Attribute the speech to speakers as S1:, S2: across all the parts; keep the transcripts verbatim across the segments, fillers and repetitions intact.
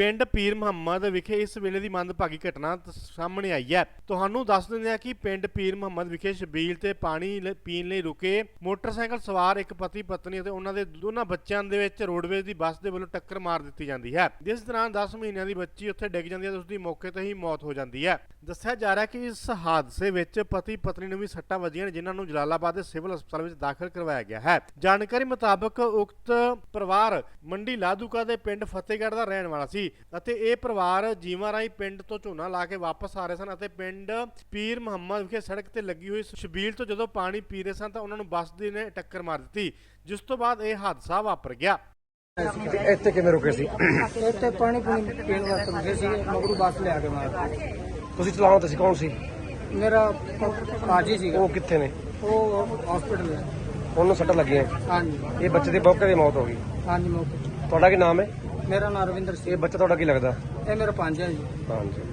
S1: ਪਿੰਡ ਪੀਰ ਮੁਹੰਮਦ ਵਿਖੇ ਇਸ ਵੇਲੇ ਦੀ ਮੰਦਭਾਗੀ ਘਟਨਾ ਸਾਹਮਣੇ ਆਈ ਹੈ। ਤੁਹਾਨੂੰ ਦੱਸ ਦਿੰਦੇ ਹਾਂ ਕਿ ਪਿੰਡ ਪੀਰ ਮੁਹੰਮਦ ਵਿਖੇ ਛਬੀਲ ਤੇ ਪਾਣੀ ਪੀਣ ਲਈ ਰੁਕੇ ਮੋਟਰਸਾਈਕਲ ਸਵਾਰ ਇੱਕ ਪਤੀ ਪਤਨੀ ਅਤੇ ਉਹਨਾਂ ਦੇ ਦੋਨਾਂ ਬੱਚਿਆਂ ਦੇ ਵਿੱਚ ਰੋਡਵੇਜ਼ ਦੀ ਬੱਸ ਦੇ ਵੱਲੋਂ ਟੱਕਰ ਮਾਰ ਦਿੱਤੀ ਜਾਂਦੀ ਹੈ, ਜਿਸ ਦੌਰਾਨ ਦਸ ਮਹੀਨਿਆਂ ਦੀ ਬੱਚੀ ਉੱਥੇ ਡਿੱਗ ਜਾਂਦੀ ਹੈ ਤੇ ਉਸ ਦੀ ਮੌਕੇ ਤੇ ਹੀ ਮੌਤ ਹੋ ਜਾਂਦੀ ਹੈ। ਦੱਸਿਆ ਜਾ ਰਿਹਾ ਕਿ ਇਸ ਹਾਦਸੇ ਵਿੱਚ ਪਤੀ ਪਤਨੀ ਨੂੰ ਵੀ ਸੱਟਾਂ ਵੱਜੀਆਂ ਨੇ, ਜਿਨ੍ਹਾਂ ਨੂੰ ਜਲਾਲਾਬਾਦ ਦੇ ਸਿਵਲ ਹਸਪਤਾਲ ਵਿੱਚ ਦਾਖਲ ਕਰਵਾਇਆ ਗਿਆ ਹੈ। ਜਾਣਕਾਰੀ ਮੁਤਾਬਕ ਉਕਤ ਪਰਿਵਾਰ ਮੰਡੀ ਲਾਧੂਕਾ ਦੇ ਪਿੰਡ ਫਤਿਹਗੜ੍ਹ ਦਾ ਰਹਿਣ ਵਾਲਾ ਸੀ ਅਤੇ ਇਹ ਪਰਿਵਾਰ ਜੀਵਾਂ ਰਾਹੀਂ ਪਿੰਡ ਤੋਂ ਝੋਨਾ ਲਾ ਕੇ ਵਾਪਸ ਆ ਰਹੇ ਸਨ ਅਤੇ ਪਿੰਡ ਪੀਰ ਮੁਹੰਮਦ ਵਿਖੇ ਸੜਕ ਤੇ ਲੱਗੀ ਹੋਈ ਛਬੀਲ ਤੋਂ ਜਦੋਂ ਪਾਣੀ ਪੀ ਰਹੇ ਸਨ ਤਾਂ ਉਹਨਾਂ ਨੂੰ ਬੱਸ ਦੀ ਨੇ ਟੱਕਰ ਮਾਰ ਦਿੱਤੀ, ਜਿਸ ਤੋਂ ਬਾਅਦ ਇਹ ਹਾਦਸਾ ਵਾਪਰ ਗਿਆ।
S2: ਇੱਥੇ ਕਿਵੇਂ ਰੁਕੇ ਸੀ?
S3: ਇੱਥੇ ਪਾਣੀ ਪੂਣੀ ਪੀਣ ਵਾਸਤੇ ਰੁਕੇ ਸੀ, ਮਗਰੂ ਬੱਸ ਲਿਆ ਕੇ ਮਾਰ।
S2: ਤੁਸੀਂ ਚਲਾਉਣ ਤੇ ਸੀ? ਕੌਣ ਸੀ?
S3: ਮੇਰਾ ਭਾਜੀ ਸੀਗਾ।
S2: ਉਹ ਕਿੱਥੇ ਨੇ?
S3: ਉਹ ਹਸਪੀਟਲ ਹੈ।
S2: ਉਹਨੂੰ ਸੱਟਾਂ ਲੱਗੀਆਂ?
S3: ਹਾਂਜੀ
S2: ਇਹ ਬੱਚੇ ਦੀ ਮੌਕੇ ਦੀ ਮੌਤ ਹੋ ਗਈ।
S3: ਹਾਂਜੀ ਮੌਕੇ।
S2: ਤੁਹਾਡਾ ਕੀ ਨਾਮ ਹੈ?
S3: ਮੇਰਾ ਨਾਮ ਰਵਿੰਦਰ
S2: ਇਹ
S3: ਸਿੰਘ।
S2: ਬੱਚਾ ਤੁਹਾਡਾ ਕੀ ਲੱਗਦਾ?
S3: ਇਹ ਮੇਰਾ ਭਾਂਜਾ ਜੀ।
S2: ਹਾਂਜੀ।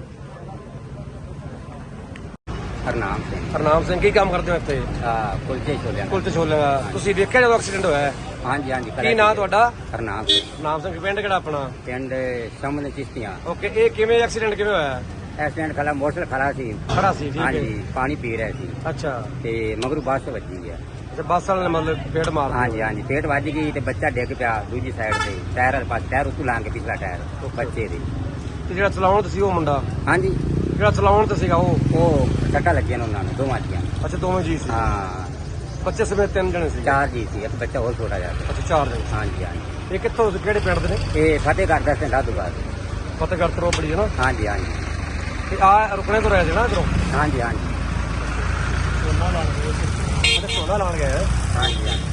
S4: ਹਰਨਾਮ ਸਿੰਘ।
S2: ਹਰਨਾਮ ਸਿੰਘ ਕੀ ਕੰਮ ਕਰਦੇ ਹੋ ਇੱਥੇ?
S4: ਆ ਕੁਲਚੇ ਛੋਲਿਆਂ ਦਾ।
S2: ਕੁਲਤੇ ਛੋਲੇ ਦਾ। ਤੁਸੀਂ ਦੇਖਿਆ ਜਦੋਂ ਐਕਸੀਡੈਂਟ ਹੋਇਆ?
S4: ਹਾਂਜੀ ਹਾਂਜੀ।
S2: ਕੀ ਨਾਂ ਤੁਹਾਡਾ?
S4: ਹਰਨਾਮ ਸਿੰਘ।
S2: ਨਾਮ ਸਿੰਘ। ਪਿੰਡ ਕਿਹੜਾ ਆਪਣਾ?
S4: ਪਿੰਡ ਸਾਹਮਣੇ ਚਿਸ਼ਤੀਆਂ।
S2: ਓਕੇ। ਇਹ ਕਿਵੇਂ ਐਕਸੀਡੈਂਟ ਕਿਵੇਂ ਹੋਇਆ?
S4: ਐਕਸੀਡੈਂਟ ਖੜਾ ਮੋਟਰਸਾਈਕਲ ਖੜਾ ਸੀ।
S2: ਖੜਾ ਸੀ? ਠੀਕ ਹੈ।
S4: ਹਾਂਜੀ ਪਾਣੀ ਪੀ ਰਿਹਾ ਸੀ
S2: ਅੱਛਾ।
S4: ਤੇ ਮਗਰੂ ਬੱਸ ਵੱਜੀ ਹੈ।
S2: ਅੱਛਾ ਬੱਸ ਵਾਲੇ ਨੇ ਮਤਲਬ ਪੇਟ ਮਾਰ ਦਿੱਤਾ?
S4: ਹਾਂਜੀ ਹਾਂਜੀ ਪੇਟ ਵੱਜ ਗਈ ਤੇ ਬੱਚਾ ਡਿੱਗ ਪਿਆ ਦੂਜੀ ਸਾਈਡ ਤੇ ਟਾਇਰ ਵਾਲੇ ਪਾਸੇ, ਟਾਇਰ ਉੱਤੋਂ ਲਾਂਗੇ ਪਿਛਲਾ ਟਾਇਰ ਬੱਚੇ ਦੇ।
S2: ਤੇ ਜਿਹੜਾ ਚਲਾਉਣ ਤੇ ਸੀ ਉਹ ਮੁੰਡਾ?
S4: ਹਾਂਜੀ
S2: ਜਿਹੜਾ ਚਲਾਉਣ ਤੇ ਸੀਗਾ ਉਹ?
S4: ਉਹ ਟੱਕਾ ਲੱਗਿਆ ਨੇ ਉਹਨਾਂ ਨੂੰ ਦੋਵਾਂ ਦੀਆਂ।
S2: ਅੱਛਾ ਦੋਵੇਂ ਜੀ ਸੀ?
S4: ਹਾਂ
S2: ਬੱਚੇ ਸਮੇਤ ਤਿੰਨ ਜਣੇ ਸੀ?
S4: ਚਾਰ ਜੀ ਸੀ, ਇੱਕ ਬੱਚਾ ਹੋਰ ਛੋਟਾ ਜਿਹਾ ਸੀ।
S2: ਅੱਛਾ ਚਾਰ ਜਣੇ।
S4: ਹਾਂਜੀ ਹਾਂਜੀ।
S2: ਇਹ ਕਿੱਥੋਂ ਕਿਹੜੇ ਪਿੰਡ ਦੇ ਨੇ?
S4: ਇਹ ਫਤਿਹਗੜ੍ਹ ਦਾ ਸਿੰਘ ਲਾਧੂਕਾ।
S2: ਫਤਿਹਗੜ੍ਹ ਤੋਂ ਬੜੀ ਹੈ ਨਾ?
S4: ਹਾਂਜੀ ਹਾਂਜੀ
S2: ਤੇ ਆ ਰੁਕਣੇ ਤੋਂ ਰਹਿ ਸੀ ਨਾ ਇਧਰੋਂ?
S4: ਹਾਂਜੀ ਹਾਂਜੀ
S2: ਝੋਨਾ ਲਾਣ ਗਏ। ਅੱਛਾ ਝੋਨਾ ਲਾਣ ਗਏ।
S4: ਹਾਂਜੀ ਹਾਂਜੀ।